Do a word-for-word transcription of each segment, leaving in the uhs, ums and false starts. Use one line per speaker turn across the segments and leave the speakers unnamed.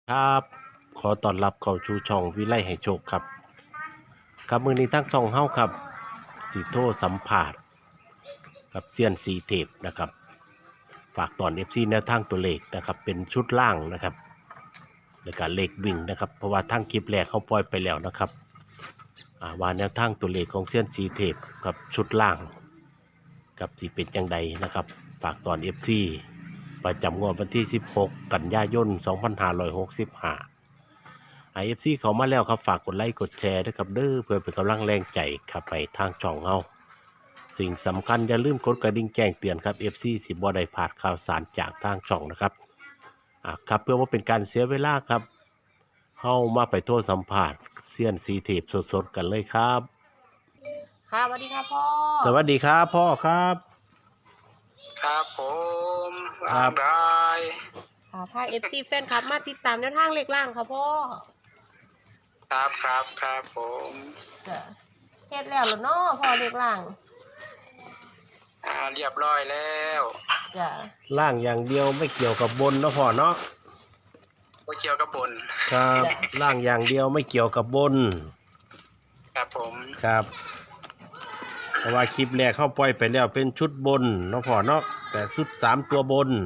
ครับขอต้อนรับเข้าสู่ช่องวิไลให้โชคครับครับมื้อนี้ทั้งช่องเฮาครับสิโทรสัมภาษณ์กับเซียนสีเทพนะครับฝากตอน เอฟ ซี แนวทางตัวเลขนะครับเป็นชุดล่างนะครับแล้วก็เลขวิ่งนะครับเพราะว่าทั้งคลิปแรกเขาปล่อยไปแล้วนะครับอ่าว่าแนวทางตัวเลขของเซียนสีเทพกับชุดล่างกับสิเป็นจังใดนะครับฝากตอน เอฟ ซี ประจำงวดวันที่สิบหกกันยายนสองพันห้าร้อยหกสิบห้าไอเอฟซีเขามาแล้วครับฝากกดไลค์กดแชร์ด้วยครับเด้อเพื่อเป็นกำลังแรงใจครับไปทางช่องเฮาสิ่งสำคัญอย่าลืมกดกระดิ่งแจ้งเตือนครับ เอฟ ซี สิบ่ได้พลาดข่าวสารจากทางช่องนะครับอ่ะครับเพื่อว่าเป็นการเสียเวลาครับเฮามาไปโทษสัมภาษณ์เซียนสีเทพสดๆกันเลยครับ
ค่ะสวัสดีค่ะพ่อ
สวัสดีครับพ่อครับ
ครับผม
ครับ
ได้
ค่ะพาเอฟซีแฟนคลับมาติดตามแนวทางเลขล่างค่ะพ่อ
ครับครับครับผม
จ้ะเฮ็ดแล้วเหรอเนาะพ่อเลขล่าง
อ่าเรียบร้อยแล้ว
จ้ะ
ล่างอย่างเดียวไม่เกี่ยวกับบนเนาะพ่อเนาะ
ก็เกี่ยวกับบน
ครับล่างอย่างเดียวไม่เกี่ยวกับบน
ครับผม
ครับเพราะว่าคลิปแรกเข้าปล่อยไปแล้วเป็นชุดบนเนาะพ่อเนาะแต่ชุดสามตัวบน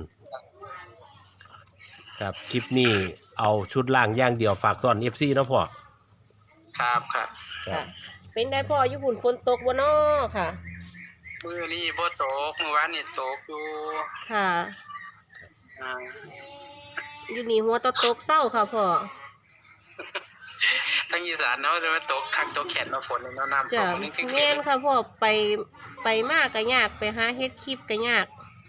ครับคลิปนี้เอาชุดล่างอย่างเดียวฝากตอน เอฟ ซี เนาะพ่อ
ครับครับ
ค่ะเป็นได้พ่ออยู่ฝุ่นฝนตกบ่เนาะค่ะ
มื้อนี้บ่ตกเมื่อวานนี่ตกอยู่
ค่ะ
อ่า
อยู่นี่หัวตะตกเศร้าค่ะพ่อ
ทางอีสานเนาะจะมาตกคักตกแขนมาฝนเนาะน้ำต
จ้ะ
กนี่
แม่นค่ะพ่อไปไปมากก็ยากไปหาเฮ็ดคลิปก็ยาก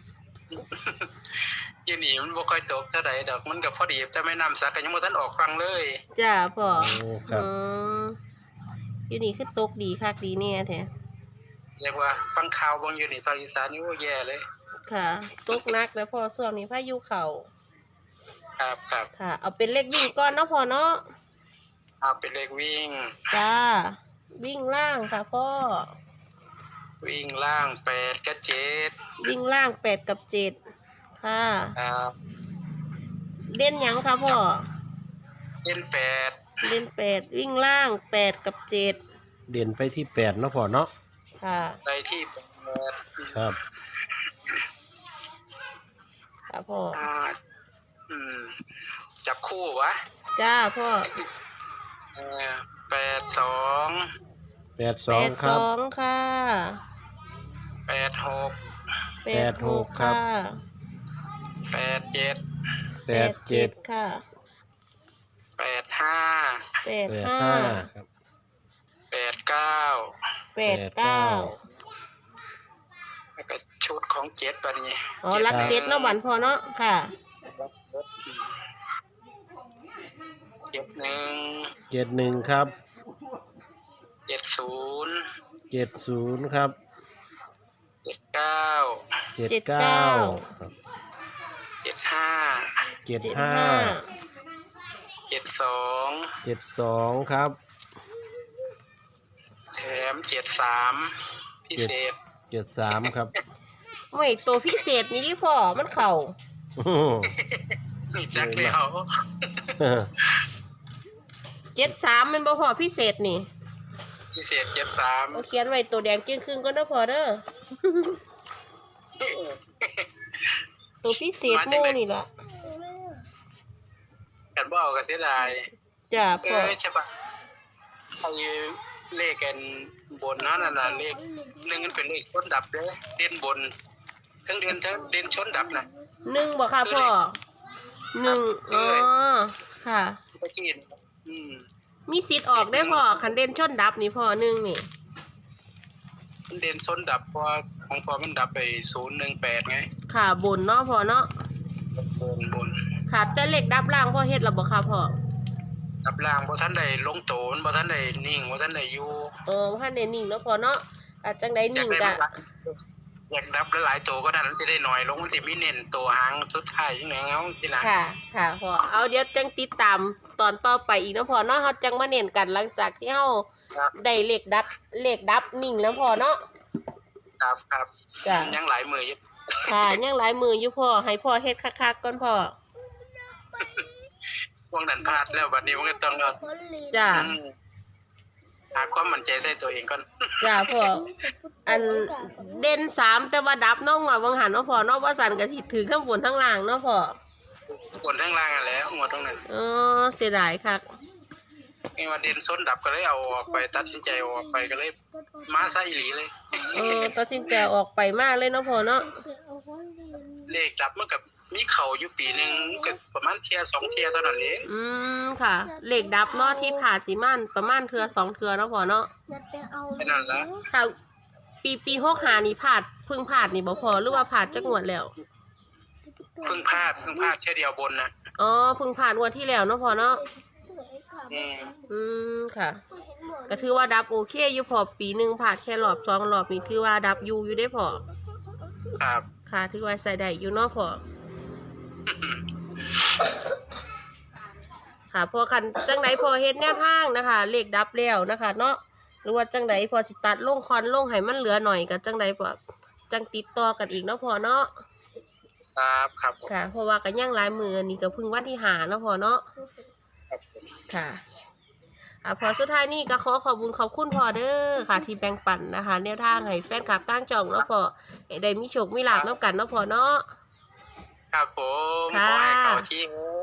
อยู่นี่มันบ่ค่อยตกเท่าใดดอกมันก็พอดีแต่แม่น้ำซักก็ยังบ่ทันออกฟังเลย
จ้ะพ่อ
โอ้ครับ
อืมอยู่นี่คือตกดีคักดีแน่แท้
เรียกว่าฟังข่าวเบิ่งอยู่นี่ภาคอีสานนี่โอ้แย่เลย
ค่ะตกหนักแล้วพ่อช่วงนี้พายุเข้า
ครับครับ
ค่ะเอาเป็นเลขวิ่งก่อนเนาะพ่อเนาะ
เอาเป็นเลขวิ่ง
จ้าวิ่งล่างค่ะพ่อ
วิ่งล่างแปดกับเจ็ด
วิ่งล่างแปดกับเจ็ดค่ะ
ครับ
เล่นหยังค่ะพ่อ
เล่นแปด
เล่นแปดวิ่งล่างแปดกับเจ็ด
เด่นไปที่แปดเนาะพ่อเนาะ
ค่ะ
ไปที่แปด
ครับ
ค่ะพ่อ
อ่าอืมจับคู่วะ
จ้าพ่อ
เออแปดสอง
แปดสองครับ
แปดสองค่ะ
แปดหก
แปดหกค่ะ
แปดเจ็ด
แปดเจ็ด
ค่ะ
แปดห้า
แปดห้า
แปดเก้า
แปดเก้า
แล้วก็ชุดของเจ็ดปะนี่
อ๋อรักเจ็ดเนาะหวานพอเนาะค่ะ
เจ็ดหนึ่ง
เจ็ดหนึ่งครับ
เจ็ดศูนย์
เจ็ดศูนย์ครับ
เจ็ดเก้า
เจ็ดเก้า
เจ็ดห้า
เจ็ดห้า
เจ็ดสอง
เจ็ดสองครับ
แถมเจ็ดสามพิเศษ
เจ็ดสามครับ
ไม่ตัวพิเศษนี่ที่พ่อมันเข่า
จักเลยเขา
เจ็ดสามมันบ่พอพิเศษนี่
พิเศษเจ็ดสาม
เขียนไว้ตัวแดงจึงครึ่งก็ได้พอเด้อตัวพิเศษโม่นี่แหละ
กันบ่เอาก็เสียดาย
จ้าพ่อ
ใช่ปะไอ้เลขกันบนนั่นน่ะเลขหนึ่งมันเป็นเลขชนดับเด้อเด่นบนทั้งเด่นทั้งเด่นชนดับน่ะ
หนึ่งบ่ค่ะพ่อหนึ่งอ๋อค่ะ
ตะกี้อืม
มีสิทธิ์ออกได้พ่อคันเด่นชนดับนี่พ่อหนึ่งนี่
เด่นชนดับเพราะของพ่อมันดับไปศูนย์หนึ่งแปดไง
ค่ะบนเนาะพ่อเนาะ
บนบน
ค่ะแต่เลขดับล่างพ่อเฮ็ดแล้วบ่ค่ะพ่อ
ดับล่างบ่ทันได้ลงโตนบ่ทันได้นิ่งบ่ทันได้อยู่
เออบ่ทันได้นิ่งเนาะพ่อเนาะอาจจังได๋นิ่งก็
อยากดับหลายๆตัวก็ได้มันสิได้น้อยลงมันสิมีเน้นตัวหางสุดท้ายจังได๋เงาสิล่ะ
ค่ะค่ะพ่อเอาเดี๋ยวจังติดตามตอนต่อไปอีกเนาะพ่อเนาะเฮาจังมาเน้นกันหลังจากที่เฮาได้เลขดับเลขดับนิ่งแล้วพ่อเนาะ
ครับครับ
จ้ะ
ยังหลายมืออยู่
ค่ะยังหลายมืออยู่พ่อให้พ่อเฮ็ดคักๆก่อนพ่อ
พวกนั้นพลาดแล้วบัดนี้มันก็ต้องเอา
จ้า
อืมหาความมั่นใจใส่ตัวเองก่อน
จ้าพ่ออันเด่นสามแต่ว่าดับน้องอ่ะวังหันเนาะพ่อเนาะว่าสันก็สิถือทั้งบนทั้งล่างเนาะพ่อ
กดทั้งล่างอ่ะแหล้วหัวตรงนั้น
เออเสียดายคัก
ไอ้ว่าเด่นส้นดับก็เลยเอาออกไปตัดสินใจเอาออกไปก็เลยมาซะอีหลีเลย
เออตัดสินใจออกไปมากเลยเนาะพ่อเนาะ
เลขดับมันกับมีเข่าอยู่ปีหนึ่งก็ประมาณเทียสองเทียเท่านั้นเอง
อืมค่ะเหล็กดับเนาะที่ผ่าสีมันประมาณเทือสองเทือเนาะพ่อเนาะ
แค่นั้นละ
ค่ะปีปีหกหานี่ผ่าดเพึ่งผ่าดนี่บ่พอหรือว่าผ่าดจักงวดแล้ว
เพิ่งพลาดเพิ่งพลาดแค่เดียวบนนะ
อ๋อเพึ่งผ่าดงวดที่แล้วเนาะพ่อเนาะ
อืม
อืมค่ะ ก็ถือว่าดับโอเคอยู่พอปีหนึ่งผ่าดแค่รอบสองรอบนี่ถือว่าดับอยู่อยู่ได้พอ
ครับ
ค่ะถือว่าใส่ได้อยู่เนาะพอค่ะพอกันจังไดพอเฮ็ดแนวทางนะคะเลขดับแล้วนะคะ เนาะหรือว่าจังไดพอสิตัดลงคอนลงให้มันเหลือหน่อยก็จังไดพอจังติดต่อกันอีกเนาะพอเนาะ
ครับครับผม
ค่ะ เพราะว่ากันย่างหลายมืออันนี้ก็เพึ่งวันที่หาเนาะพอเนาะ
ครับผม
ค่ะอ่าพอสุดท้ายนี่ก็ขอขอบคุณขอบคุณพอเด้อค่ะ ที่แบ่งปันนะคะแนวทางให้แฟนคลับตั้งจองเนาะพอให้ได้มีโชคมีลาภน้ำกันเนาะพอเนาะ
ครับผม
ค่ะ
ขอให้เขาที่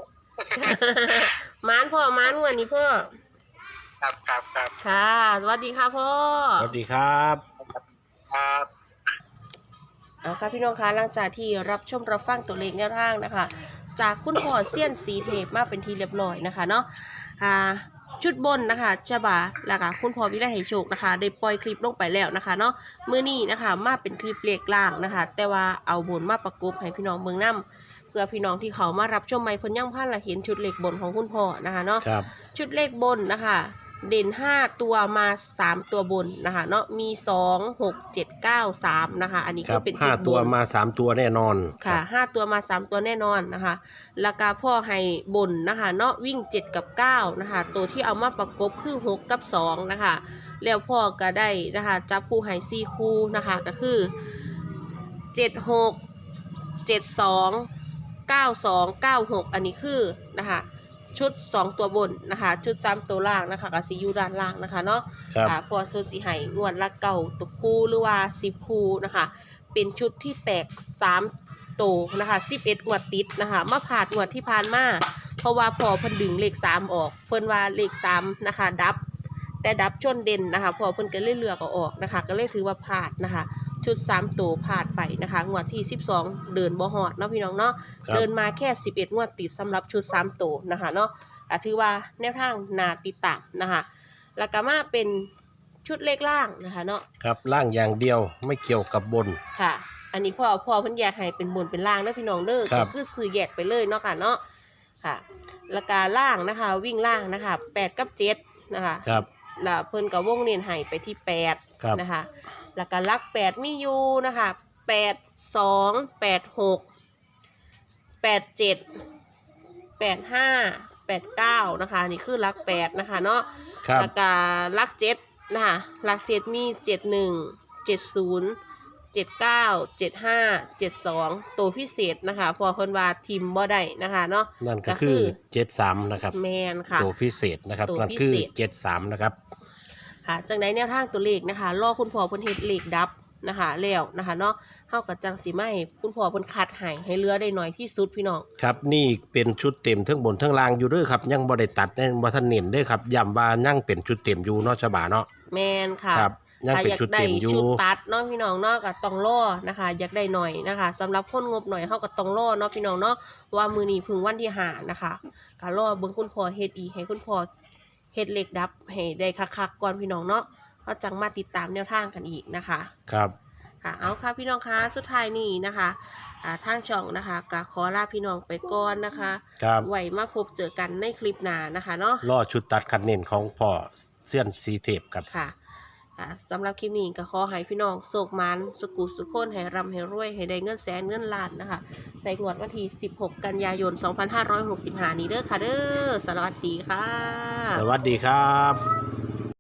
มานพ่อมานวันนี้พ่อ
ครับครับครับ
ค่ะสวัสดีค่ะพ่อ
สวัสดีครับ
ครับ
เอาค่ะพี่น้องคะหลังจากที่รับชมรับฟังตัวเลขแนวทางนะคะ จากคุณพ่อเซียนสีเทพมาเป็นทีเรียบร้อยนะคะเนาะอ่าชุดบนนะคะจะบาแล้วก็คุณพ่อวิไลให้โชคนะคะได้ปล่อยคลิปลงไปแล้วนะคะเนาะมื้อนี้นะคะมาเป็นคลิปเลขล่างนะคะ แต่ว่าเอาบนมาประกบให้พี่น้องเมืองน้ำเพื่อพี่น้องที่เขามารับชมใหม่เพิ่นยังพันละเห็นชุดเลขบนของคุณพ่อนะคะเนาะ
ครับ
ชุดเลขบนนะคะ เด่นห้าตัวมาสามตัวบนนะคะเนาะมีสองหกเจ็ดเก้าสามนะคะ อันนี้
ค
ก็
รับ
เป็น
ห้า
ชุดบ
ตัวน มาสามตัวแน่นอน
ค่ะห้าตัวมาสามตัวแน่นอนนะคะแล้วก็พ่อให้บนนะคะเนาะวิ่งเจ็ดกับเก้านะคะตัวที่เอามาประกบคือหกกับสองนะคะแล้วพ่อก็ได้นะคะจับคู่ให้สี่คู่นะคะก็คือเจ็ดหกเจ็ดสองเก้าสองเก้าหกอันนี้คือนะคะชุดสองตัวบนนะคะชุดสามตัวล่างนะคะกับซียูด้านล่างนะคะเนาะ
ครับ
ค่ะพอส่วนสีไห้งวดละเก่าตัวคู่หรือว่าสิบคู่นะคะ เป็นชุดที่แตกสามโตวนะคะสิบเอ็ดงวดติดนะคะมาผ่านงวดที่ผ่านมาเพราะว่าพอเพิ่นดึงเลขสามออก เพิ่นว่าเลขสามนะคะดับ แต่ดับชนเด่นนะคะพอเพิ่นก็เลยเลือกเอาออกนะคะ ก็เลยถือว่าพลาดนะคะ ชุดสามตัวพลาดไปนะคะงวดที่สิบสองเดินบ่ฮอดเนาะพี่น้องเนาะ
ครับ
เดินมาแค่สิบเอ็ดงวดติดสำหรับชุดสามตัวนะคะเนาะอ่ะถือว่าแนวทางนาติดตามนะคะ แล้วก็มาเป็นชุดเลขล่างนะคะเนาะ
ครับล่างอย่างเดียวไม่เกี่ยวกับบน
ค่ะ อันนี้พ่อพ่อเพิ่นแยกให้เป็นบนเป็นล่างเด้อพี่น้องเด้อ
ครั
ก็
บ
คือซื้อแยกไปเลยเนาะค่ะเนาะค่ะแล้วก็ล่างนะคะ วิ่งล่างนะคะแปดกับเจ็ดนะคะ
ครับ
แล้วเพิ่นก็วงเน้นให้ไปที่แปด
ครับ
นะคะ แล้วก็ลักแปดมีอยู่นะคะแปดสองแปดหกแปดเจ็ดแปดห้าแปดเก้านะคะนี่คือลักแปดนะคะเนาะ
ครับ
แล้วก็ลักเจ็ดนะคะลักเจ็ดมีเจ็ดหนึ่งเจ็ดศูนย์เจ็ดเก้าเจ็ดห้าเจ็ดสองตัวพิเศษนะคะพอคนว่าทีมบ่ได้นะคะเนาะ
นั่นก็
ก็คื
คือ อเจ็ดสามนะครับ
แมนค่ะ
ตัวพิเศษนะครับ
ตัว
นั่น
พิ
คือ
เศษ
เจ็ดสามนะครับ
ค่ะจังไดแนวทางตัวเลขนะคะรอคุณพ่อเพิ่นเฮ็ดเลขดับนะคะแล้วนะคะเนาะเฮากับจังสิมาให้คุณพ่อเพิ่นคัดให้ให้เหลือได้น้อยที่สุดพี่น้อง
ครับนี่เป็นชุดเต็มทั้งบนทั้งล่างอยู่เด้วยครับ ยังบ่ได้ตัดในบ่ทันเน้นเด้วยครับย้ำว่ายังเป็นชุดเต็มอยู่เนาะฉบาเนาะ
แมนค่ะ
ครับยัง
ถ้า
เป็น
อยาก
ชุด
ได้
เต็มอยู่
ชุดตัดเนาะพี่น้องเนาะก็ต้องรอนะคะ อยากได้หน่อยนะคะสำหรับคนงบหน่อยเฮาก็ต้องรอเนาะพี่น้องเนาะว่ามื้อนี้เพิ่งวันที่ห้านะคะก็รอเบิ่งคุณพ่อเฮ็ดอีกให้คุณพ่อเฮ็ดเลขดับให้ได้คักๆก่อนพี่น้องเนาะเฮาจังมาติดตามแนวทางกันอีกนะคะ
ครับ
ค่ะเอาค่ะพี่น้องคะสุดท้ายนี้นะคะอ่าทางช่องนะคะก็ขอลาพี่น้องไปก่อนนะคะ
ครับ
ไว้มาพบเจอกันในคลิปหน้านะคะเนาะ
รอชุดตัดคันเน้นของพ่อเสี้ยนสีเทพครับ
ค่ะอ่าสำหรับคลิปนี้ก็ขอให้พี่น้องโศกมันสุกุสุขคนให้ร่ำให้รวยให้ได้เงินแสนเงินล้านนะคะใส่งวดวันที่สิบหกกันยายนสองพันห้าร้อยหกสิบห้านี้เด้อค่ะเด้อสวัสดีค่ะ
สวัสดีครับ